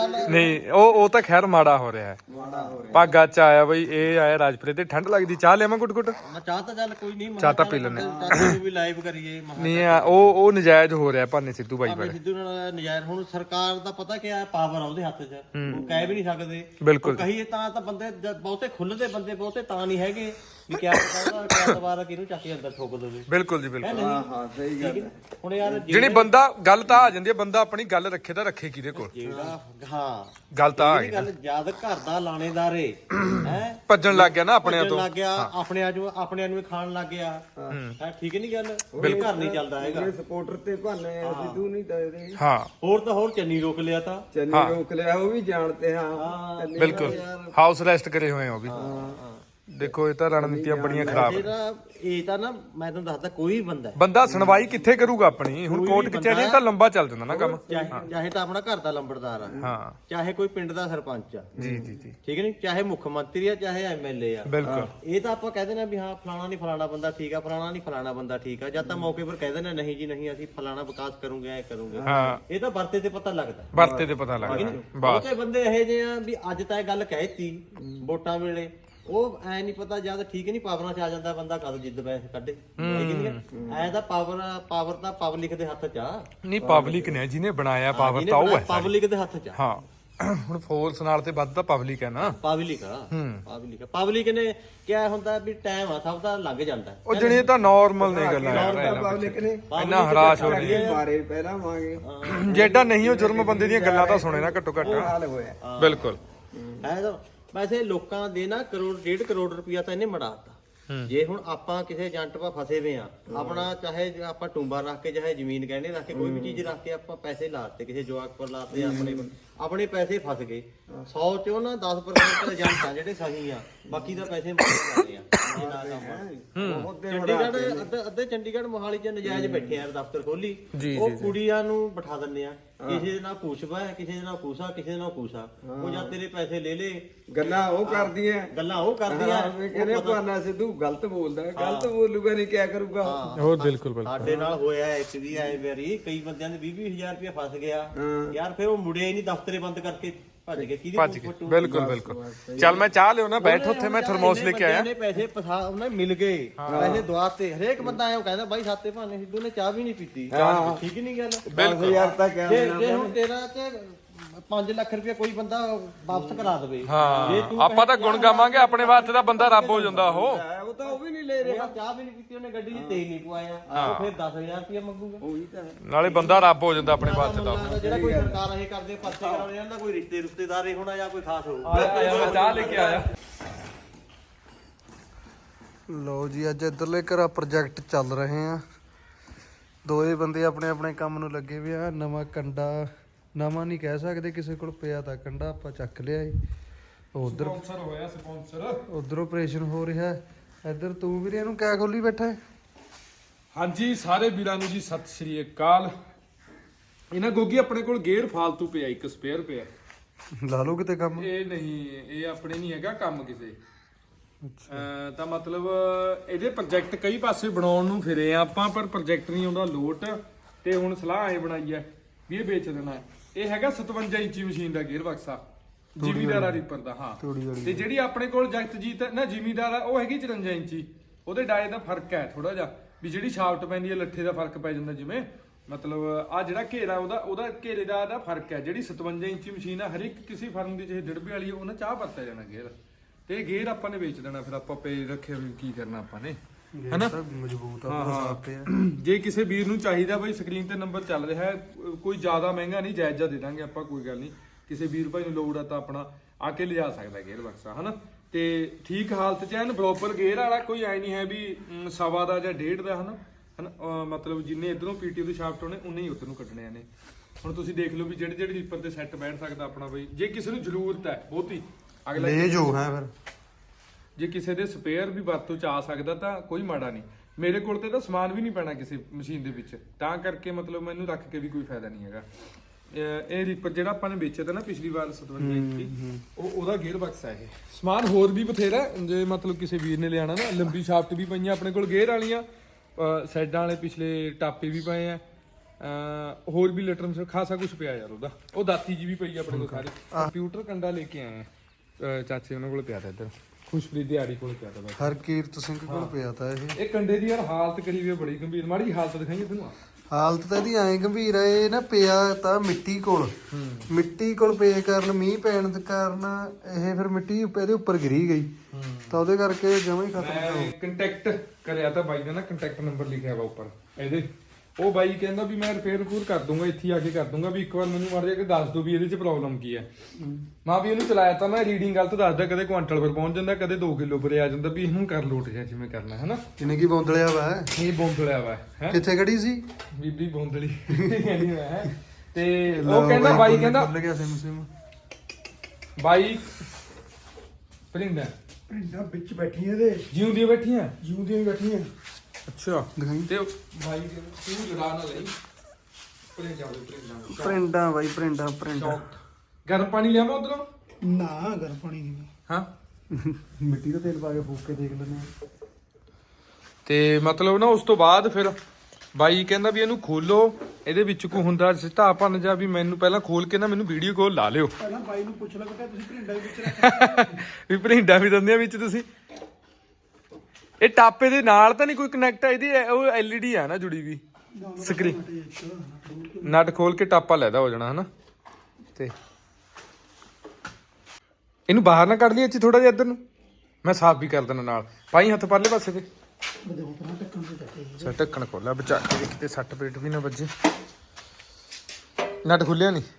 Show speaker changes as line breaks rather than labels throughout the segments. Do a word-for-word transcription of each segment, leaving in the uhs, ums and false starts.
ਨਹੀਂ ਉਹ ਉਹ ਤਾਂ ਖੈਰ ਮਾੜਾ ਹੋ ਰਿਹਾ ਹੈ ਭਾਗਾ ਚ ਆਇਆ ਬਈ ਇਹ ਆਇਆ ਰਾਜਪੁਰੇ ਤੇ ਠੰਡ ਲੱਗਦੀ ਚਾਹ ਲਿਆਵਾਂ ਗੁੱਟ ਗੁੱਟ
ਚਾਹ ਤਾਂ ਚੱਲ ਕੋਈ ਨਹੀਂ
ਚਾਹ ਤਾਂ ਪੀ ਲੈਣੇ
ਵੀ ਲਾਈਵ ਕਰੀਏ
ਨਹੀਂ ਆ ਉਹ ਉਹ ਨਜਾਇਜ਼ ਹੋ ਰਿਹਾ ਭਾਨੇ ਸਿੱਧੂ ਬਾਈ ਬਾਰੇ
ਸਿੱਧੂ ਨਾਲ ਨਜ਼ਾਇਰ ਹੁਣ ਸਰਕਾਰ ਦਾ ਪਤਾ ਕੀ ਆ ਪਾਵਰ ਆ ਉਹਦੇ ਹੱਥ 'ਚ ਉਹ ਕਹਿ ਵੀ ਨਹੀਂ ਸਕਦੇ
ਬਿਲਕੁਲ
ਕਹੀਏ ਤਾਂ ਤਾਂ ਬੰਦੇ ਬਹੁਤੇ ਖੁੱਲਦੇ ਬੰਦੇ ਬਹੁਤੇ ਤਾਂ ਨਹੀਂ ਹੈਗੇ ਵੀ ਕਿਆ ਪਤਾ ਉਹਦਾ ਕਿਆ ਦੁਬਾਰਾ ਕਿਹਨੂੰ ਚੱਕ ਕੇ ਅੰਦਰ ਠੋਕ ਦੇਵੇ
ਬਿਲਕੁਲ ਜੀ ਬਿਲਕੁਲ
ਹਾਂ ਹਾਂ ਸਹੀ ਗੱਲ ਹੁਣ ਯਾਰ
ਜਿਹੜੀ ਬੰਦਾ ਗੱਲ ਤਾਂ ਆ ਜਾਂਦੀ ਹੈ ਬੰਦਾ ਆਪਣੀ ਗੱਲ ਰੱਖੇ ਤਾਂ ਰੱਖੇ ਕਿਹਦੇ ਕੋਲ
ਜਿਹੜਾ ਹਾਂ
ਗੱਲ ਤਾਂ ਆ ਗਈ
ਗੱਲ ਜਦ ਘਰ ਦਾ ਲਾਣੇਦਾਰ ਏ ਹੈ
ਭੱਜਣ ਲੱਗ ਗਿਆ ਨਾ ਆਪਣਿਆਂ ਤੋਂ
ਲੱਗ ਗਿਆ ਆਪਣਿਆਂ ਨੂੰ ਆਪਣਿਆਂ ਨੂੰ ਖਾਣ ਲੱਗ ਗਿਆ ਹੈ ਠੀਕ ਨਹੀਂ ਗੱਲ ਉਹ ਘਰ ਨਹੀਂ ਚੱਲਦਾ ਹੈਗਾ
ਸਪੋਰਟਰ ਤੇ ਭਾਨੇ ਸਿੱਧੂ ਨਹੀਂ ਦੱਸਦੇ
ਹਾਂ
ਹੋਰ ਤਾਂ ਹੋਰ ਚੰਨੀ ਰੋਕ ਲਿਆ ਤਾਂ
ਚੰਨੀ ਰੋਕ ਲਿਆ ਉਹ ਵੀ ਜਾਣਦੇ ਹਾਂ
ਬਿਲਕੁਲ ਹਾਊਸ ਅਰੈਸਟ ਕਰੇ ਹੋਏ ਉਹ ਵੀ ਦੇਖੋ ਇਹ ਤਾਂ ਰਣਨੀਤੀਆਂ ਬੜੀਆਂ ਖਰਾਬ
ਜਿਹੜਾ ਇਹ ਤਾਂ ਨਾ ਮੈਂ ਤੁਹਾਨੂੰ ਦੱਸਦਾ ਕੋਈ ਬੰਦਾ
ਬੰਦਾ ਸੁਣਵਾਈ ਕਿੱਥੇ ਕਰੂਗਾ ਆਪਣੀ ਹੁਣ ਕੋਰਟ ਕਚਹਿਰੀ ਤਾਂ ਲੰਬਾ ਚੱਲ ਜਾਂਦਾ ਨਾ ਕੰਮ
ਚਾਹੇ ਤਾਂ ਆਪਣਾ ਘਰ ਦਾ ਲੰਬੜਦਾਰ ਆ
ਹਾਂ
ਚਾਹੇ ਕੋਈ ਪਿੰਡ ਦਾ ਸਰਪੰਚ ਆ
ਜੀ ਜੀ ਜੀ
ਠੀਕ ਨਹੀਂ ਚਾਹੇ ਮੁੱਖ ਮੰਤਰੀ ਆ ਚਾਹੇ ਐਮਐਲਏ ਆ
ਬਿਲਕੁਲ
ਇਹ ਤਾਂ ਆਪਾਂ ਕਹਿੰਦੇ ਨੇ ਵੀ ਹਾਂ ਫਲਾਣਾ ਨਹੀਂ ਫਲਾਣਾ ਬੰਦਾ ਠੀਕ ਆ ਫਲਾਣਾ ਨਹੀਂ ਫਲਾਣਾ ਬੰਦਾ ਠੀਕ ਆ ਜਦ ਤਾਂ ਮੌਕੇ ਪਰ ਕਹਿੰਦੇ ਨੇ ਨਹੀਂ ਜੀ ਨਹੀਂ ਅਸੀਂ ਫਲਾਣਾ ਵਿਕਾਸ ਕਰੂਗੇ ਐ ਕਰੂਗੇ
ਹਾਂ
ਇਹ ਤਾਂ ਵਰਤੇ ਤੇ ਪਤਾ ਲੱਗਦਾ
ਵਰਤੇ ਤੇ ਪਤਾ ਲੱਗਦਾ ਬਸ
ਬਹੁਤੇ ਬੰਦੇ ਇਹੋ ਜਿਹੇ ਆ ਵੀ ਅੱਜ ਤਾਂ ਇਹ ਗੱਲ ਕਹਿਤੀ ਵੋਟਾਂ ਵੇਲੇ ਉਹ ਐ ਨਹੀਂ ਪਤਾ ਜਦ ਠੀਕ ਨਹੀਂ ਪਾਵਰਾਂ 'ਚ ਆ ਜਾਂਦਾ ਬੰਦਾ ਕਦ ਜਿੱਦ ਪੈਸੇ ਕੱਢੇ ਐ ਤਾਂ ਪਾਵਰ ਪਾਵਰ ਤਾਂ ਪਬਲਿਕ ਦੇ ਹੱਥ 'ਚ ਆ
ਨਹੀਂ ਪਬਲਿਕ ਨੇ ਜਿਹਨੇ ਬਣਾਇਆ ਪਾਵਰ ਤਾਂ ਉਹ ਹੈ
ਪਬਲਿਕ ਦੇ ਹੱਥ 'ਚ ਆ
ਹਾਂ ਹੁਣ ਫੋਰਸ ਨਾਲ ਤੇ ਵੱਧ ਤਾਂ ਪਬਲਿਕ ਹੈ ਨਾ
ਪਬਲਿਕ ਆ ਪਬਲਿਕ ਪਬਲਿਕ ਨੇ ਕਿਆ ਹੁੰਦਾ ਵੀ ਟਾਈਮ ਆ ਸਭ ਦਾ ਲੰਘ ਜਾਂਦਾ
ਉਹ ਜਣੀ ਤਾਂ ਨਾਰਮਲ ਨੇ ਗੱਲਾਂ
ਪਬਲਿਕ ਨੇ
ਇੰਨਾ ਹਰਾਸ਼ ਹੋ ਰਹੀ ਹੈ
ਮਾਰੇ ਪਹਿਲਾਂ ਵਾਂਗੇ
ਜਿਹੜਾ ਨਹੀਂ ਉਹ ਜੁਰਮ ਬੰਦੇ ਦੀਆਂ ਗੱਲਾਂ ਤਾਂ ਸੁਣੇ ਨਾ ਘੱਟੋ ਘੱਟ
ਹਾਲ ਹੋਇਆ
ਬਿਲਕੁਲ
ਹੈ ਤਾਂ ਵੈਸੇ ਲੋਕਾਂ ਦੇ ਨਾ ਕਰੋੜ ਡੇਢ ਕਰੋੜ ਰੁਪਇਆ ਤਾਂ ਇਹਨੇ ਮੜਾਤਾ ਜੇ ਹੁਣ ਆਪਾਂ ਕਿਸੇ ਏਜੰਟ ਪਾ ਫਸੇ ਵੇ ਆ ਆਪਣਾ ਚਾਹੇ ਆਪਾਂ ਟੁੰਬਾ ਰੱਖ ਕੇ ਚਾਹੇ ਜ਼ਮੀਨ ਗਹਿਣੇ ਰੱਖ ਕੇ ਕੋਈ ਵੀ ਚੀਜ਼ ਰੱਖ ਕੇ ਆਪਾਂ ਪੈਸੇ ਲਾਤੇ ਕਿਸੇ ਜਵਾਕ ਪਰ ਲਾਤੇ ਆਪਣੇ ਆਪਣੇ ਪੈਸੇ ਫਸ ਗਏ ਸੌ ਚੋਂ ਨਾ ਦਸ ਪਰਸੈਂਟ ਏਜੰਟ ਆ ਜਿਹੜੇ ਸਹੀ ਆ ਬਾਕੀ ਦਾ ਪੈਸੇ ਮਾਰੇ ਜਾਂਦੇ ਆ ਚੰਡੀਗੜ੍ਹ ਅੱਧੇ ਅੱਧੇ ਚੰਡੀਗੜ੍ਹ ਮੋਹਾਲੀ ਚ ਨਜਾਇਜ਼ ਬੈਠੇ ਆ ਦਫ਼ਤਰ ਖੋਲੀ ਉਹ ਕੁੜੀਆਂ ਨੂੰ ਬਿਠਾ ਦਿੰਦੇ ਆ ਕਿਸੇ ਦੇ ਨਾਲ ਪੁੱਛਵਾ ਕਿਸੇ ਦੇ ਨਾਲ ਪੂਸਾ ਕਿਸੇ ਦੇ ਨਾਲ ਪੂਸਾ ਉਹ ਜਾਂ ਤੇਰੇ ਪੈਸੇ ਲੈ ਲੇ
ਗੱਲਾਂ ਉਹ ਕਰਦੀਆਂ
ਗੱਲਾਂ ਉਹ ਕਰਦੀਆਂ
ਕਹਿੰਦੇ ਭਾਨਾ ਸਿੱਧੂ ਗਲਤ ਬੋਲਦਾ ਗਲਤ ਬੋਲੂਗਾ ਨਹੀਂ ਕਿਆ ਕਰੂਗਾ
ਹੋਰ ਬਿਲਕੁਲ ਬਿਲਕੁਲ
ਸਾਡੇ ਨਾਲ ਹੋਇਆ ਇੱਕ ਵੀ ਐ ਵਾਰੀ ਕਈ ਬੰਦਿਆਂ ਦੇ ਵੀਹ ਵੀਹ ਹਜ਼ਾਰ ਰੁਪਏ ਫਸ ਗਿਆ ਯਾਰ ਫਿਰ ਉਹ ਮੁੜਿਆ ਹੀ ਨਹੀਂ ਦਫ਼ਤਰੇ ਬੰਦ ਕਰਕੇ ਭੱਜ ਗਏ ਕਿਹਦੀ
ਭੱਜ ਗਏ ਬਿਲਕੁਲ ਬਿਲਕੁਲ ਚੱਲ ਮੈਂ ਚਾਹ ਲਿਓ ਨਾ ਬੈਠ ਉੱਥੇ ਮੈਂ ਥਰਮੋਸ ਲੈ ਕੇ ਆਇਆ
ਨੇ ਪੈਸੇ ਫਸਾ ਉਹਨੇ ਮਿਲ ਗਏ ਪੈਸੇ ਦਵਾਤੇ ਹਰੇਕ ਬੰਦਾ ਆਇਆ ਉਹ ਕਹਿੰਦਾ ਬਾਈ ਸਾਤੇ ਭਾਨੇ ਸਿੱਧੂ ਨੇ ਚਾਹ ਵੀ ਨਹੀਂ ਪੀਤੀ ਠੀਕ ਨਹੀਂ ਗੱਲ
ਬਿਲਕੁਲ
ਯਾਰ ਤਾਂ ਕਿਆ
ਜੇ ਜੇ ਹੁਣ ਤੇਰਾ ਤੇ ਪੰਜ ਲੱਖ ਰੁਪਏ ਕੋਈ ਬੰਦਾ ਵਾਪਸ ਕਰਾ ਦੇਵੇ
ਹਾਂ ਆਪਾਂ ਤਾਂ ਗੁਣ ਗਾਵਾਂਗੇ ਆਪਣੇ ਵਾਸਤੇ ਤਾਂ ਬੰਦਾ ਰੱਬ ਹੋ ਜਾਂਦਾ ਉਹ
ਉਹ ਤਾਂ ਉਹ ਵੀ ਨਹੀਂ ਲੈ ਰਿਹਾ
ਚਾਹ ਵੀ ਨਹੀਂ ਪੀਤੀ ਉਹਨੇ ਗੱਡੀ 'ਚ ਤੇਲ ਨਹੀਂ ਪਵਾਇਆ ਉਹ ਫਿਰ ਦਸ ਹਜ਼ਾਰ ਰੁਪਏ ਮੰਗੂਗਾ
ਉਹੀ ਤਾਂ
ਨਾਲੇ ਬੰਦਾ ਰੱਬ ਹੋ ਜਾਂਦਾ ਆਪਣੇ ਵਾਸਤੇ ਤਾਂ
ਜਿਹੜਾ ਕੋਈ ਸਰਕਾਰ ਇਹ ਕਰਦੇ ਪਰਚੇ ਕਰਾਉਣੇ ਜਾਂਦਾ ਕੋਈ ਰਿਸ਼ਤੇ ਰਿਸ਼ਤੇਦਾਰ ਹੀ ਹੋਣਾ ਜਾਂ ਕੋਈ ਖਾਸ ਹੋਊ
ਮੈਂ ਚਾਹ ਲੈ ਕੇ ਆਇਆ
ਲਓ ਜੀ ਅੱਜ ਇੱਧਰਲੇ ਘਰਾਂ ਪ੍ਰੋਜੈਕਟ ਚੱਲ ਰਹੇ ਆ ਦੋਏ ਬੰਦੇ ਆਪਣੇ ਆਪਣੇ ਕੰਮ ਨੂੰ ਲੱਗੇ ਹੋਏ ਆ ਨਵਾਂ ਕੰਡਾ ਨਵਾਂ ਨਹੀਂ ਕਹਿ ਸਕਦੇ ਕਿਸੇ ਕੋਲ ਪਿਆ ਤਾਂ ਕੰਡਾ ਆਪਾਂ ਚੱਕ ਲਿਆ ਏ ਉਧਰ
ਸਪਾਂਸਰ ਹੋਇਆ ਸਪਾਂਸਰ
ਉਧਰ ਆਪਰੇਸ਼ਨ ਹੋ ਰਿਹਾ ਇੱਧਰ ਤੂੰ ਵੀਰੇ ਇਹਨੂੰ ਕਿਆ ਖੋਲੀ ਬੈਠਾ ਹੈ
ਹਾਂਜੀ ਸਾਰੇ ਵੀਰਾਂ ਨੂੰ ਜੀ ਸਤਿ ਸ਼੍ਰੀ ਅਕਾਲ ਇਹਨਾਂ ਗੋਗੀ ਆਪਣੇ ਕੋਲ ਗੇਅਰ ਫਾਲਤੂ ਪਿਆ ਇੱਕ ਸਪੇਅਰ ਪਿਆ
ਲਾ ਲਓ ਕਿਤੇ ਕੰਮ
ਇਹ ਨਹੀਂ ਇਹ ਆਪਣੇ ਨਹੀਂ ਹੈਗਾ ਕੰਮ ਕਿਸੇ ਅਹ ਤਾਂ ਮਤਲਬ ਇਹਦੇ ਪ੍ਰੋਜੈਕਟ ਕਈ ਪਾਸੇ ਬਣਾਉਣ ਨੂੰ ਫਿਰੇ ਆ ਆਪਾਂ ਪਰ ਪ੍ਰੋਜੈਕਟ ਨਹੀਂ ਆਉਂਦਾ ਲੋਟ ਤੇ ਹੁਣ ਸਲਾਹ ਇਹ ਬਣਾਈ ਹੈ ਵੀ ਇਹ ਵੇਚ ਦੇਣਾ ਹੈ ਇਹ ਹੈਗਾ ਸਤਵੰਜਾ ਇੰਚੀ ਮਸ਼ੀਨ ਦਾ ਗੇਅਰ ਬਕਸਾ ਜ਼ਿਮੀਦਾਰਾ ਰੀਪਰ ਦਾ ਹਾਂ ਤੇ ਜਿਹੜੀ ਆਪਣੇ ਕੋਲ ਜਗਤਜੀਤ ਨਾ ਜ਼ਿਮੀਦਾਰ ਆ ਉਹ ਹੈਗੀ ਚੁਰੰਜਾ ਇੰਚੀ ਉਹਦੇ ਡਾਏ ਦਾ ਫਰਕ ਹੈ ਥੋੜਾ ਜਿਹਾ ਵੀ ਜਿਹੜੀ ਸ਼ਾਫਟ ਪੈਂਦੀ ਹੈ ਲੱਠੇ ਦਾ ਫਰਕ ਪੈ ਜਾਂਦਾ ਜਿਵੇਂ ਮਤਲਬ ਆ ਜਿਹੜਾ ਘੇਰਾ ਉਹਦਾ ਉਹਦਾ ਘੇਰੇ ਦਾ ਦਾ ਫਰਕ ਹੈ ਜਿਹੜੀ ਸਤਵੰਜਾ ਇੰਚੀ ਮਸ਼ੀਨ ਆ ਹਰ ਇੱਕ ਕਿਸੇ ਫਰਮ ਦੀ ਜਿਹੇ ਡਿੜਬੇ ਵਾਲੀ ਉਹਨਾਂ ਚਾਹ ਵਰਤਿਆ ਜਾਣਾ ਗੇਅਰ ਤੇ ਗੇਅਰ ਆਪਾਂ ਨੇ ਵੇਚ ਦੇਣਾ ਫਿਰ ਆਪਾਂ ਪੇ ਰੱਖੇ ਵੀ ਕੀ ਕਰਨਾ ਆਪਾਂ ਨੇ ਹਨਾ
ਮਜ਼ਬੂਤ
ਹਾਂ ਹਾਂ ਜੇ ਕਿਸੇ ਵੀਰ ਨੂੰ ਚਾਹੀਦਾ ਬਈ ਸਕਰੀਨ ਤੇ ਨੰਬਰ ਚੱਲ ਰਿਹਾ ਹੈ ਕੋਈ ਜ਼ਿਆਦਾ ਮਹਿੰਗਾ ਨਹੀਂ ਜਾਇਜ਼ਾ ਦੇ ਦਾਂਗੇ ਆਪਾਂ ਕੋਈ ਗੱਲ ਨਹੀਂ ਕਿਸੇ ਵੀਰ ਭਾਈ ਨੂੰ ਲੋੜ ਆ ਤਾਂ ਆਪਣਾ ਆ ਕੇ ਲਿਜਾ ਸਕਦਾ ਗੇਅਰ ਬਕਸਾ ਹਨਾ ਤੇ ਠੀਕ ਹਾਲਤ ਚ ਐਨ ਪ੍ਰੋਪਰ ਗੇਅਰ ਵਾਲਾ ਕੋਈ ਐ ਨਹੀਂ ਹੈ ਵੀ ਸਵਾ ਦਾ ਜਾਂ ਡੇਢ ਦਾ ਹਨਾ ਹਨਾ ਮਤਲਬ ਜਿੰਨੇ ਇਧਰੋਂ ਪੀਟੀ ਦੇ ਸ਼ਾਫਟ ਹੋਣੇ ਉਨੇ ਹੀ ਉਧਰ ਨੂੰ ਕੱਢਣੇ ਨੇ ਹੁਣ ਤੁਸੀਂ ਦੇਖ ਲਓ ਵੀ ਜਿਹੜੇ ਜਿਹੜੇ ਰੀਪਰ ਤੇ ਸੈੱਟ ਬੈਠ ਸਕਦਾ ਆਪਣਾ ਬਈ ਜੇ ਕਿਸੇ ਨੂੰ ਜ਼ਰੂਰਤ ਹੈ ਬਹੁਤੀ ਅਗਲਾ
ਲੈ ਜੋ ਹੈ ਫਿਰ
ਜੇ ਕਿਸੇ ਦੇ ਸਪੇਅਰ ਵੀ ਵਰਤੋਂ ਚ ਆ ਸਕਦਾ ਤਾਂ ਕੋਈ ਮਾੜਾ ਨਹੀਂ ਮੇਰੇ ਕੋਲ ਤੇ ਤਾਂ ਸਮਾਨ ਵੀ ਨਹੀਂ ਪੈਣਾ ਕਿਸੇ ਮਸ਼ੀਨ ਦੇ ਵਿੱਚ ਤਾਂ ਕਰਕੇ ਮਤਲਬ ਮੈਨੂੰ ਰੱਖ ਕੇ ਵੀ ਕੋਈ ਫਾਇਦਾ ਨਹੀਂ ਹੈਗਾ ਇਹ ਰੀਪਰ ਜਿਹੜਾ ਆਪਾਂ ਨੇ ਵੇਚਿਆ ਤਾਂ ਨਾ ਪਿਛਲੀ ਵਾਰ ਸਤਵੰਜਾ ਇੰਚੀ ਉਹ ਉਹਦਾ ਗੇਅਰ ਬਕਸ ਹੈ ਇਹ ਸਮਾਨ ਹੋਰ ਵੀ ਬਥੇਰਾ ਜੇ ਮਤਲਬ ਕਿਸੇ ਵੀਰ ਨੇ ਲਿਆਣਾ ਨਾ ਲੰਬੀ ਸ਼ਾਫਟ ਵੀ ਪਈਆਂ ਆਪਣੇ ਕੋਲ ਗੇਅਰ ਵਾਲੀਆਂ ਸਾਈਡਾਂ ਵਾਲੇ ਪਿਛਲੇ ਟਾਪੇ ਵੀ ਪਏ ਆ ਅਹ ਹੋਰ ਵੀ ਲਿਟਰ ਮਸ ਖਾਸਾ ਕੁਝ ਪਿਆ ਯਾਰ ਉਹਦਾ। ਉਹ ਦਾਤੀ ਜੀ ਵੀ ਪਈ ਆ ਆਪਣੇ ਕੋਲ ਸਾਰੀ। ਕੰਪਿਊਟਰ ਕੰਡਾ ਲੈ ਕੇ ਆਏ ਆ ਚਾਚੇ ਉਹਨਾਂ ਕੋਲ ਪਿਆ ਤਾ ਇੱਧਰ, ਖੁਸ਼ਪ੍ਰੀਤ ਦਿਹਾੜੀ ਕੋਲ ਪਿਆ ਤਾ ਬਸ।
ਹਰਕੀਰਤ ਸਿੰਘ ਕੋਲ ਪਿਆ ਤਾ ਇਹ।
ਇਹ ਕੰਡੇ ਦੀ ਯਾਰ ਹਾਲਤ ਕਰੀ ਵੀ ਬੜੀ ਗੰਭੀਰ, ਮਾੜੀ ਜਿਹੀ ਹਾਲਤ ਦਿਖਾਈਏ ਤੈਨੂੰ।
ਹਾਲਤ ਤਾਂ ਇਹਦੀ ਐਂ ਗੰਭੀਰ ਆ, ਇਹ ਨਾ ਪਿਆ ਤਾਂ ਮਿੱਟੀ ਕੋਲ, ਮਿੱਟੀ ਕੋਲ ਪਏ ਕਾਰਨ ਮੀਂਹ ਪੈਣ ਦੇ ਕਾਰਨ ਇਹ ਫਿਰ ਮਿੱਟੀ ਇਹਦੇ ਉੱਪਰ ਗਿਰੀ ਗਈ ਤਾਂ ਉਹਦੇ ਕਰਕੇ ਜਮਾਂ ਹੀ ਖਤਮ ਹੋ
ਮੈਂ ਕੰਟੈਕਟ ਕਰਿਆ ਤਾਂ ਬਾਈ ਦਾ ਨਾ, ਕੰਟੈਕਟ ਨੰਬਰ ਲਿਖਿਆ ਵਾ ਉੱਪਰ ਇਹਦੇ। ਉਹ ਬਾਈ ਕਹਿੰਦਾ ਵੀ ਮੈਂ ਰਿਪੇਅਰ ਰਿਪੂਰ ਕਰ ਦੂੰਗਾ, ਇੱਥੇ ਆ ਕੇ ਕਰ ਦੂੰਗਾ, ਵੀ ਇੱਕ ਵਾਰ ਮੈਨੂੰ ਮਾਰ ਜਾ ਕੇ ਦੱਸ ਦੋ ਵੀ ਇਹਦੇ 'ਚ ਪ੍ਰੋਬਲਮ ਕੀ ਹੈ। ਮਾਂ ਵੀ ਇਹਨੂੰ ਚਲਾਇਆ ਤਾਂ ਮੈਂ, ਰੀਡਿੰਗ ਗਲਤ ਦੱਸਦਾ, ਕਦੇ ਕੁਆਂਟਲ ਪਰ ਪਹੁੰਚ ਜਾਂਦਾ, ਕਦੇ ਦੋ ਕਿਲੋ ਪਰ ਆ ਜਾਂਦਾ, ਵੀ ਇਹਨੂੰ ਕਰ ਲੋਟ ਜਾ ਜਿਵੇਂ ਕਰਨਾ ਹੈ ਨਾ।
ਇਹਨੇ ਕੀ ਬੌਂਦਲਿਆ ਵਾ
ਇਹ ਬੌਂਦਲਿਆ ਵਾ ਹੈ,
ਕਿੱਥੇ ਖੜੀ ਸੀ
ਬੀਬੀ ਬੌਂਦਲੀ ਕਹਿੰਦੀ ਮੈਂ। ਤੇ ਉਹ ਕਹਿੰਦਾ ਬਾਈ ਕਹਿੰਦਾ
ਭੁੱਲ ਗਿਆ ਸਿਮ ਸਿਮ
ਬਾਈ ਪ੍ਰਿੰਦਾ
ਪਿੰਡਾਂ ਵਿੱਚ ਬੈਠੀਆਂ ਇਹਦੇ,
ਜਿਉਂਦੀਆਂ ਬੈਠੀਆਂ
ਜਿਉਂਦੀਆਂ ਬੈਠੀਆਂ।
ਅੱਛਾ
ਦਿਖਾਈ
ਤੇ ਬਾਈ ਤੂੰ ਜਰਾ ਨਾ ਲਈ ਪ੍ਰਿੰਦਾ ਪ੍ਰਿੰਦਾ
ਪ੍ਰਿੰਡਾਂ ਬਾਈ, ਪ੍ਰਿੰਡਾਂ ਪ੍ਰਿੰਡਾਂ।
ਗਰਮ ਪਾਣੀ ਲਿਆਵਾਂ ਉਧਰੋਂ?
ਨਾ ਗਰਮ ਪਾਣੀ ਨਹੀਂ,
ਹਾਂ
ਮਿੱਟੀ ਦਾ ਤੇਲ ਪਾ ਕੇ ਫੂਕ ਕੇ ਦੇਖ ਲੈਂਦੇ ਆ।
ਤੇ ਮਤਲਬ ਨਾ ਉਸ ਤੋਂ ਬਾਅਦ ਫਿਰ ਬਾਈ ਕਹਿੰਦਾ ਵੀ ਇਹਨੂੰ ਖੋਲੋ, ਇਹਦੇ ਵਿੱਚ ਕੋ ਹੁੰਦਾ ਸਿੱਧਾ ਭੰਨ ਜਾ, ਵੀ ਮੈਨੂੰ ਪਹਿਲਾਂ ਖੋਲ ਕੇ ਨਾ ਮੈਨੂੰ ਵੀਡੀਓ ਕਾਲ ਲਾ ਲਿਓ।
ਪਹਿਲਾਂ ਬਾਈ ਨੂੰ ਪੁੱਛ ਲੈ ਬੇਟਾ ਤੁਸੀਂ ਭਿੰਡਾ ਦੇ ਵਿੱਚ ਰੱਖ
ਵੀ ਭਰਿੰਡਾ ਵੀ ਦਿੰਦੇ ਆ ਵਿੱਚ ਤੁਸੀਂ। ਇਹ ਟਾਪੇ ਦੇ ਨਾਲ ਤਾਂ ਨਹੀਂ ਕੋਈ ਕਨੈਕਟ ਹੈ, ਇਹਦੀ ਉਹ ਐਲਈਡੀ ਆ ਨਾ ਜੁੜੀ ਵੀ ਸਕਰੀਨ। ਨਟ ਖੋਲ ਕੇ ਟਾਪਾ ਲੈਦਾ ਹੋ ਜਾਣਾ ਹਨਾ। ਤੇ ਇਹਨੂੰ ਬਾਹਰ ਨਾ ਕੱਢ ਲਈ ਇੱਥੇ ਥੋੜਾ ਜਿਹਾ ਇੱਧਰ ਨੂੰ, ਮੈਂ ਸਾਫ਼ ਵੀ ਕਰ ਦੇਣਾ ਨਾਲ। ਪਾਈ ਹੱਥ ਪਰਲੇ ਪਾਸੇ ਤੇ ਅੱਛਾ ਢੱਕਣ ਖੋਲਿਆ ਬਚਾ ਕੇ, ਕਿਤੇ ਸੱਟ ਪੇਟ ਵੀ ਨਾ ਵੱਜੇ। ਨਟ ਖੁੱਲਿਆ ਨਹੀਂ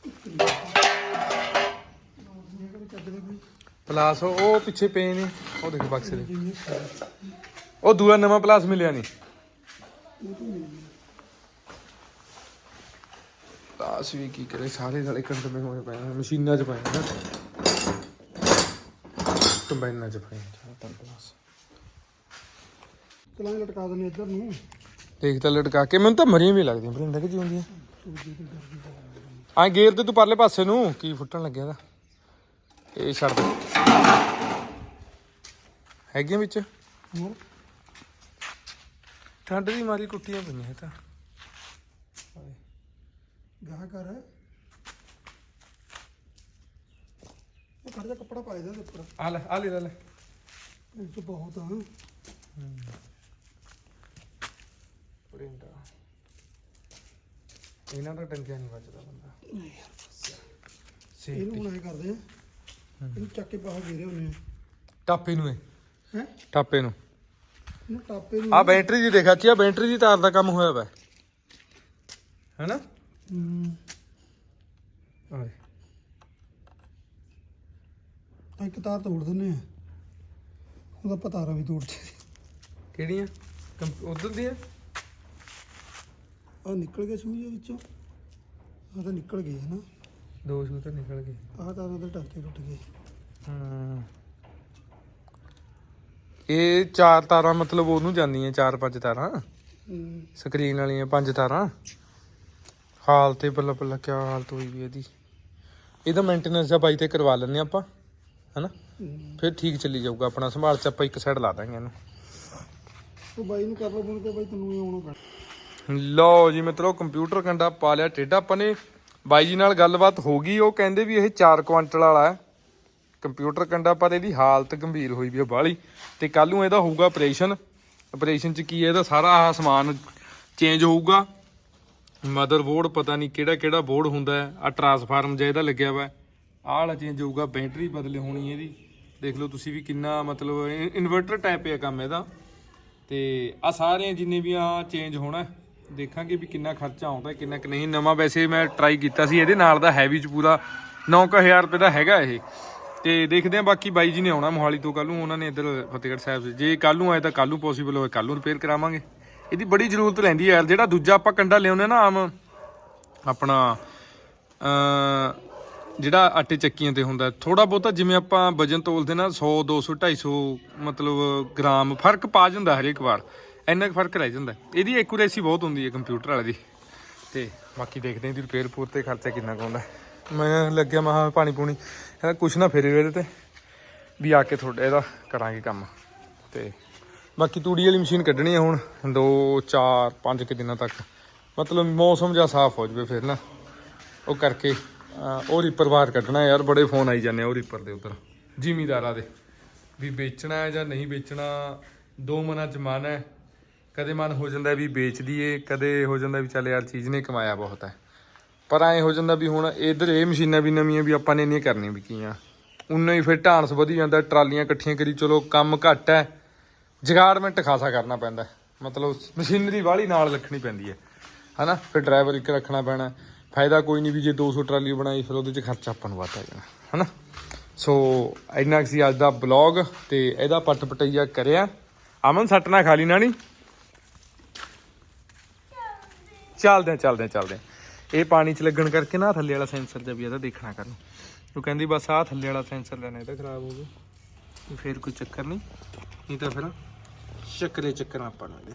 ਪਲਾਸ, ਉਹ ਪਿੱਛੇ ਪਏ ਨੇ, ਉਹ ਦੇਖ ਬਕਸੇ ਦੇ, ਉਹ ਦੂਆ ਨਵਾਂ ਪਲਾਸ ਮਿਲਿਆ ਨਹੀਂ। ਪਲਾਸ ਵੀ ਕੀ ਕਰੇ, ਸਾਰੇ ਨਾਲੇ ਕੰਟਮੇ ਹੋਏ ਪਏ ਨੇ, ਮਸ਼ੀਨਾਂ 'ਚ ਪਏ ਨੇ, ਕੰਬਾਈਨਾਂ 'ਚ ਪਏ ਨੇ ਪਲਾਸ।
ਚਲਾਂ ਲਟਕਾ ਦਿੰਦੇ ਇੱਧਰ ਨੂੰ।
ਦੇਖ ਤਾਂ ਲਟਕਾ ਕੇ, ਮੈਨੂੰ ਤਾਂ ਮਰੀਆਂ ਵੀ ਲੱਗਦੀਆਂ ਭਰਿੰਦਾ ਕਿ ਜਿਉਂਦੀਆਂ। ਆ ਗੇਰ ਤੇ ਤੂੰ ਪਰਲੇ ਪਾਸੇ ਨੂੰ ਕੀ ਫੁੱਟਣ ਲੱਗਿਆ ਦਾ, ਇਹ ਛੱਡ ਦੇ ਹੈਗੀਆਂ ਵਿੱਚ। ਠੰਡ ਦੀ ਮਾਰੀ ਕੁੱਟੀਆਂ ਪਈਆਂ ਇਹ ਤਾਂ।
ਗਾਹ ਕਰ ਉਹ ਕੱਢ ਜਾ ਕੱਪੜਾ ਪਾ ਦੇ ਉੱਪਰ,
ਆ ਲੈ ਆ ਲੈ ਲੈ
ਇਹ ਚ ਬਹੁਤ ਆ।
ਭਰਿੰਡਾ ਇਹਨਾਂ ਦਾ ਟੰਕਿਆ ਨਹੀਂ ਵੱਜਦਾ ਬੰਦਾ।
ਇਹਨੂੰ ਹੁਣ ਐ ਕਰਦੇ ਆ, ਇਹਨੂੰ ਚੱਕ ਕੇ ਬਾਹਰ ਗੇਰੇ ਹੁੰਨੇ
ਟਾਪੇ ਨੂੰ ਇਹ
ਹੈ,
ਟਾਪੇ ਨੂੰ
ਇਹਨੂੰ ਟਾਪੇ ਨੂੰ
ਆ ਬੈਟਰੀ ਦੀ ਦੇਖਾ ਚੀ, ਆ ਬੈਟਰੀ ਦੀ ਤਾਰ ਦਾ ਕੰਮ ਹੋਇਆ ਵਾ ਹੈਨਾ।
ਹੂੰ
ਆਏ
ਇੱਕ ਤਾਰ ਤੋੜ ਦਿੰਨੇ ਆ, ਉਹਦਾ ਪਤਾਰਾ ਵੀ ਤੋੜ ਦੇ।
ਕਿਹੜੀਆਂ ਉਧਰ ਦੀਆਂ?
ਆ ਨਿਕਲ ਗਏ ਸੂਈ ਵਿੱਚੋਂ, ਆ ਤਾਂ ਨਿਕਲ ਗਏ ਹਨਾ,
ਦੋ ਸ਼ੂ ਤਾਂ ਨਿਕਲ ਗਏ।
ਆਹ ਤਾਰਾਂ ਦੇ ਟਾਕੇ ਟੁੱਟ ਗਏ।
ਹਮ ਇਹ ਚਾਰ ਤਾਰਾਂ ਮਤਲਬ ਉਹਨੂੰ ਜਾਂਦੀਆਂ, ਚਾਰ ਪੰਜ ਤਾਰਾਂ
ਹੂੰ
ਸਕਰੀਨ ਵਾਲੀਆਂ, ਪੰਜ ਤਾਰਾਂ। ਹਾਲ ਤੇ ਬੱਲਾ ਬੱਲਾ ਕਿਆ ਹਾਲਤ ਹੋਈ ਵੀ ਇਹਦੀ। ਇਹਦਾ ਮੇਨਟੇਨੈਂਸ ਦਾ ਬਾਈ ਤੇ ਕਰਵਾ ਲੈਂਦੇ ਆਪਾਂ ਹਨਾ, ਫਿਰ ਠੀਕ ਚੱਲੀ ਜਾਊਗਾ ਆਪਣਾ। ਸੰਭਾਲ ਚ ਆਪਾਂ ਇੱਕ ਸਾਈਡ ਲਾ ਦਾਂਗੇ ਇਹਨੂੰ।
ਉਹ ਬਾਈ ਨੂੰ ਕਰ ਲਓ ਫੋਨ ਤੇ, ਬਾਈ ਤੈਨੂੰ ਹੀ ਆਉਣਾ ਪੈਣਾ।
ਲਓ ਜੀ ਮਿੱਤਰੋ, ਕੰਪਿਊਟਰ ਕੰਡਾ ਪਾ ਲਿਆ ਟੇਢਾ। ਆਪਾਂ ਨੇ ਬਾਈ ਜੀ ਨਾਲ ਗੱਲਬਾਤ ਹੋ ਗਈ, ਉਹ ਕਹਿੰਦੇ ਵੀ ਇਹ ਚਾਰ ਕੁਆਂਟਲ ਵਾਲਾ ਹੈ ਕੰਪਿਊਟਰ ਕੰਡਾ, ਪਰ ਇਹਦੀ ਹਾਲਤ ਗੰਭੀਰ ਹੋਈ ਵੀ ਆ ਬਾਹਲੀ। ਤੇ ਕੱਲ ਨੂੰ ਇਹਦਾ ਹੋਊਗਾ ਆਪਰੇਸ਼ਨ। ਆਪਰੇਸ਼ਨ ਚ ਕੀ ਹੈ, ਇਹਦਾ ਸਾਰਾ ਆਹ ਸਮਾਨ ਚੇਂਜ ਹੋਊਗਾ। ਮਦਰ ਬੋਰਡ ਪਤਾ ਨਹੀਂ ਕਿਹੜਾ ਕਿਹੜਾ ਬੋਰਡ ਹੁੰਦਾ ਹੈ, ਆ ਟਰਾਂਸਫਾਰਮ ਜਿਹਾ ਇਹਦਾ ਲੱਗਿਆ ਵਾ, ਆਹ ਵਾਲਾ ਚੇਂਜ ਹੋਊਗਾ। ਬੈਟਰੀ ਬਦਲੇ ਹੋਣੀ ਇਹਦੀ, ਦੇਖ ਲਓ ਤੁਸੀਂ ਵੀ ਕਿੰਨਾ ਮਤਲਬ ਇਨਵਰਟਰ ਟਾਈਪ ਹੈ ਕੰਮ ਇਹਦਾ। ਤੇ ਆ ਸਾਰੇ ਜਿੰਨੇ ਵੀ ਆ ਚੇਂਜ ਹੋਣਾ, ਦੇਖਾਂਗੇ ਵੀ ਕਿੰਨਾ ਖਰਚਾ ਆਉਂਦਾ ਕਿੰਨਾ ਕਿ ਨਹੀਂ। ਨਵਾਂ ਵੈਸੇ ਮੈਂ ਟਰਾਈ ਕੀਤਾ ਸੀ, ਇਹਦੇ ਨਾਲ ਦਾ ਹੈਵੀ ਚ ਪੂਰਾ ਨੌ ਕੁ ਹਜ਼ਾਰ ਰੁਪਏ ਦਾ ਹੈਗਾ ਇਹ। ਤੇ ਦੇਖਦੇ ਆ, ਬਾਕੀ ਬਾਈ ਜੀ ਨੇ ਆਉਣਾ ਮੋਹਾਲੀ ਤੋਂ ਕੱਲ ਨੂੰ, ਉਹਨਾਂ ਨੇ ਇੱਧਰ ਫਤਿਹਗੜ੍ਹ ਸਾਹਿਬ। ਜੇ ਕੱਲ ਨੂੰ ਆਏ ਤਾਂ ਕੱਲ ਨੂੰ ਪੋਸੀਬਲ ਹੋਏ ਕੱਲ ਨੂੰ ਰਿਪੇਅਰ ਕਰਾਵਾਂਗੇ। ਇਹਦੀ ਬੜੀ ਜ਼ਰੂਰਤ ਲੈਂਦੀ ਹੈ ਯਾਰ। ਜਿਹੜਾ ਦੂਜਾ ਆਪਾਂ ਕੰਡਾ ਲਿਆਉਂਦੇ ਨਾ ਆਮ ਆਪਣਾ ਜਿਹੜਾ ਆਟੇ ਚੱਕੀਆਂ ਤੇ ਹੁੰਦਾ, ਥੋੜਾ ਬਹੁਤਾ ਜਿਵੇਂ ਆਪਾਂ ਵਜਨ ਤੋਲਦੇ ਨਾ ਸੌ ਦੋ ਸੌ ਢਾਈ ਸੌ ਮਤਲਬ ਗ੍ਰਾਮ ਫਰਕ ਪਾ ਜਾਂਦਾ ਹਰੇਕ ਵਾਰ, ਇੰਨਾ ਕੁ ਫਰਕ ਰਹਿ ਜਾਂਦਾ। ਇਹਦੀ ਐਕੂਰੇਸੀ ਬਹੁਤ ਹੁੰਦੀ ਹੈ ਕੰਪਿਊਟਰ ਵਾਲੇ ਦੀ। ਤੇ ਬਾਕੀ ਦੇਖਦੇ ਹਾਂ ਇਹਦੀ ਰਿਪੇਅਰ ਪੂਰ ਤੇ ਖਰਚਾ ਕਿੰਨਾ ਕੁ ਆਉਂਦਾ। ਮੈਂ ਲੱਗਿਆ ਮਹਾ ਪਾਣੀ ਪੂਣੀ ਇਹਦਾ ਕੁਛ ਨਾ ਫੇਰੇ ਇਹਦੇ ਤੇ ਵੀ ਆ ਕੇ ਤੁਹਾਡੇ ਇਹਦਾ ਕਰਾਂਗੇ ਕੰਮ। ਤੇ ਬਾਕੀ ਤੂੜੀ ਵਾਲੀ ਮਸ਼ੀਨ ਕੱਢਣੀ ਹੈ ਹੁਣ ਦੋ ਚਾਰ ਪੰਜ ਕੁ ਦਿਨਾਂ ਤੱਕ, ਮਤਲਬ ਮੌਸਮ ਜਿਹਾ ਸਾਫ਼ ਹੋ ਜਾਵੇ ਫਿਰ ਨਾ ਉਹ ਕਰਕੇ ਅਹ ਉਹ ਰੀਪਰ ਬਾਹਰ ਕੱਢਣਾ ਯਾਰ। ਬੜੇ ਫੋਨ ਆਈ ਜਾਂਦੇ ਆ ਉਹ ਰੀਪਰ ਦੇ ਉੱਪਰ ਜ਼ਿਮੀਦਾਰਾਂ ਦੇ ਵੀ ਵੇਚਣਾ ਹੈ ਜਾਂ ਨਹੀਂ ਵੇਚਣਾ। ਦੋ ਮਨਾਂ 'ਚ ਮਨ ਹੈ, ਕਦੇ ਮਨ ਹੋ ਜਾਂਦਾ ਵੀ ਵੇਚ ਦਈਏ, ਕਦੇ ਹੋ ਜਾਂਦਾ ਵੀ ਚੱਲ ਯਾਰ ਚੀਜ਼ ਨੇ ਕਮਾਇਆ ਬਹੁਤ ਹੈ। ਪਰ ਐਂ ਹੋ ਜਾਂਦਾ ਵੀ ਹੁਣ ਇੱਧਰ ਇਹ ਮਸ਼ੀਨਾਂ ਵੀ ਨਵੀਆਂ ਵੀ ਆਪਾਂ ਨੇ ਇੰਨੀਆਂ ਕਰਨੀਆਂ ਵੀ ਕੀਆਂ, ਉਨਾ ਹੀ ਫਿਰ ਢਾਂਸ ਵਧੀ ਜਾਂਦਾ। ਟਰਾਲੀਆਂ ਇਕੱਠੀਆਂ ਕਰੀ ਚਲੋ ਕੰਮ ਘੱਟ ਹੈ, ਜਗਾੜਮੈਂਟ ਖਾਸਾ ਕਰਨਾ ਪੈਂਦਾ, ਮਤਲਬ ਮਸ਼ੀਨਰੀ ਵਾਲੀ ਨਾਲ ਰੱਖਣੀ ਪੈਂਦੀ ਹੈ ਹਨਾ। ਫਿਰ ਡਰਾਈਵਰ ਇੱਕ ਰੱਖਣਾ ਪੈਣਾ। ਫਾਇਦਾ ਕੋਈ ਨਹੀਂ ਵੀ ਜੇ ਦੋ ਸੌ ਟਰਾਲੀ ਬਣਾਈ ਫਿਰ ਉਹਦੇ 'ਚ ਖਰਚਾ ਆਪਾਂ ਨੂੰ ਵੱਧ ਆ ਜਾਣਾ ਹਨਾ। ਸੋ ਇੰਨਾ ਕੁ ਸੀ ਅੱਜ ਦਾ ਬਲੌਗ ਤੇ ਇਹਦਾ ਪੱਟ ਪਟਈਆ ਕਰਿਆ। ਅਮਨ ਸੱਟ ਨਾ ਖਾ ਲਈ ਨਾ ਨੀ। ਚੱਲਦੇ ਆ ਚੱਲਦੇ ਆ ਚੱਲਦੇ ਆ। ਇਹ ਪਾਣੀ 'ਚ ਲੱਗਣ ਕਰਕੇ ਨਾ ਥੱਲੇ ਵਾਲਾ ਸੈਂਸਰ ਜਿਹਾ ਵੀ ਇਹਦਾ ਦੇਖਣਾ ਕਰਨ। ਉਹ ਕਹਿੰਦੀ ਬਸ ਆਹ ਥੱਲੇ ਵਾਲਾ ਸੈਂਸਰ ਲੈਣਾ, ਇਹਦਾ ਖਰਾਬ ਹੋ ਗਿਆ ਫਿਰ ਕੋਈ ਚੱਕਰ ਨਹੀਂ, ਨਹੀਂ ਤਾਂ ਫਿਰ ਚੱਕਰੇ ਚੱਕਰ ਆਪਾਂ ਨੂੰ ਇਹਦੇ।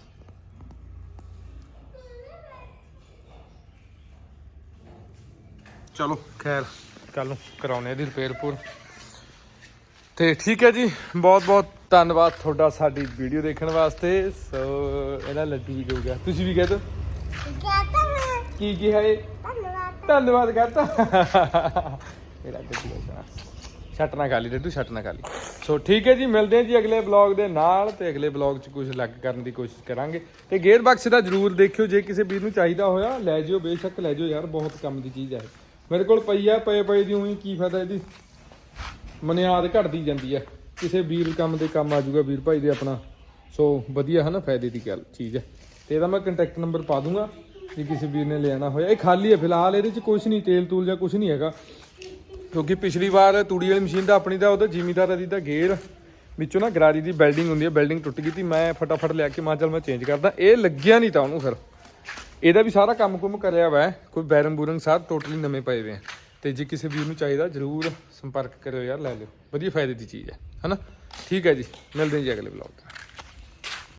ਚਲੋ ਖੈਰ ਕੱਲ ਨੂੰ ਕਰਾਉਣੇ ਇਹਦੀ ਰਿਪੇਅਰ ਪੂਰ ਤੇ ਠੀਕ ਹੈ ਜੀ। ਬਹੁਤ ਬਹੁਤ ਧੰਨਵਾਦ ਤੁਹਾਡਾ ਸਾਡੀ ਵੀਡੀਓ ਦੇਖਣ ਵਾਸਤੇ। ਸੋ ਇਹਦਾ ਲੱਡੂ ਵੀ ਜਾਊਗਾ, ਤੁਸੀਂ ਵੀ ਕਹਿ ਦਿਓ ਕੀ ਕੀ ਹੈ। ਧੰਨਵਾਦ ਕਰਤਾ ਮੇਰਾ ਗੱਡੀ ਛੱਟ ਨਾ ਖਾ ਲਈ ਡੱਡੂ, ਛੱਟ ਨਾ ਖਾ ਲਈ। ਸੋ ਠੀਕ ਹੈ ਜੀ, ਮਿਲਦੇ ਹਾਂ ਜੀ ਅਗਲੇ ਬਲੌਗ ਦੇ ਨਾਲ ਤੇ ਅਗਲੇ ਬਲੌਗ 'ਚ ਕੁਝ ਅਲੱਗ ਕਰਨ ਦੀ ਕੋਸ਼ਿਸ਼ ਕਰਾਂਗੇ। ਤੇ ਗੇਅਰ ਬਕਸ ਦਾ ਜ਼ਰੂਰ ਦੇਖਿਓ, ਜੇ ਕਿਸੇ ਵੀਰ ਨੂੰ ਚਾਹੀਦਾ ਹੋਇਆ ਲੈ ਜਿਓ, ਬੇਸ਼ੱਕ ਲੈ ਜਿਓ ਯਾਰ, ਬਹੁਤ ਕੰਮ ਦੀ ਚੀਜ਼ ਹੈ। ਮੇਰੇ ਕੋਲ ਪਈ ਆ, ਪਏ ਪਏ ਦੀ ਉਹੀ ਕੀ ਫਾਇਦਾ ਇਹਦੀ, ਮਨਿਆਦ ਘਟਦੀ ਜਾਂਦੀ ਹੈ। ਕਿਸੇ ਵੀਰ ਕੰਮ ਦੇ ਕੰਮ ਆ ਜਾਊਗਾ ਵੀਰ ਭਾਈ ਦੇ ਆਪਣਾ। ਸੋ ਵਧੀਆ ਹੈ ਨਾ, ਫਾਇਦੇ ਦੀ ਗੱਲ ਚੀਜ਼ ਹੈ। ਤੇ ਇਹਦਾ ਮੈਂ ਕੰਟੈਕਟ ਨੰਬਰ ਪਾ ਦੂੰਗਾ ਜੇ ਕਿਸੇ ਵੀਰ ਨੇ ਲੈਣਾ ਹੋਇਆ। ਇਹ ਖਾਲੀ ਹੈ ਫਿਲਹਾਲ, ਇਹਦੇ 'ਚ ਕੁਛ ਨਹੀਂ ਤੇਲ ਤੂਲ ਜਾਂ ਕੁਛ ਨਹੀਂ ਹੈਗਾ, ਕਿਉਂਕਿ ਪਿਛਲੀ ਵਾਰ ਤੂੜੀ ਵਾਲੀ ਮਸ਼ੀਨ ਦਾ ਆਪਣੀ ਦਾ ਉਹਦਾ ਜ਼ਿਮੀਦਾਰਾਂ ਦੀ ਦਾ ਗੇਅਰ ਵਿੱਚੋਂ ਨਾ ਗਰਾਰੀ ਦੀ ਬੈਲਡਿੰਗ ਹੁੰਦੀ ਹੈ, ਬੈਲਡਿੰਗ ਟੁੱਟ ਗਈ ਸੀ। ਮੈਂ ਫਟਾਫਟ ਲਿਆ ਕੇ ਮਾਂ ਚੱਲ ਮੈਂ ਚੇਂਜ ਕਰਦਾ, ਇਹ ਲੱਗਿਆ ਨਹੀਂ ਤਾਂ ਉਹਨੂੰ। ਫਿਰ ਇਹਦਾ ਵੀ ਸਾਰਾ ਕੰਮ ਕੁਮ ਕਰਿਆ ਵਾ, ਕੋਈ ਬੈਰੰਗ ਬੂਰੰਗ ਸਾਰੇ ਟੋਟਲੀ ਨਵੇਂ ਪਏ ਹੋਏ ਆ। ਤੇ ਜੇ ਕਿਸੇ ਵੀਰ ਨੂੰ ਚਾਹੀਦਾ ਜ਼ਰੂਰ ਸੰਪਰਕ ਕਰਿਓ ਯਾਰ, ਲੈ ਲਿਓ, ਵਧੀਆ ਫਾਇਦੇ ਦੀ ਚੀਜ਼ ਹੈ ਹਨਾ। ਠੀਕ ਹੈ ਜੀ, ਮਿਲਦੇ ਹਾਂ ਜੀ ਅਗਲੇ ਬਲੌਗ 'ਚ।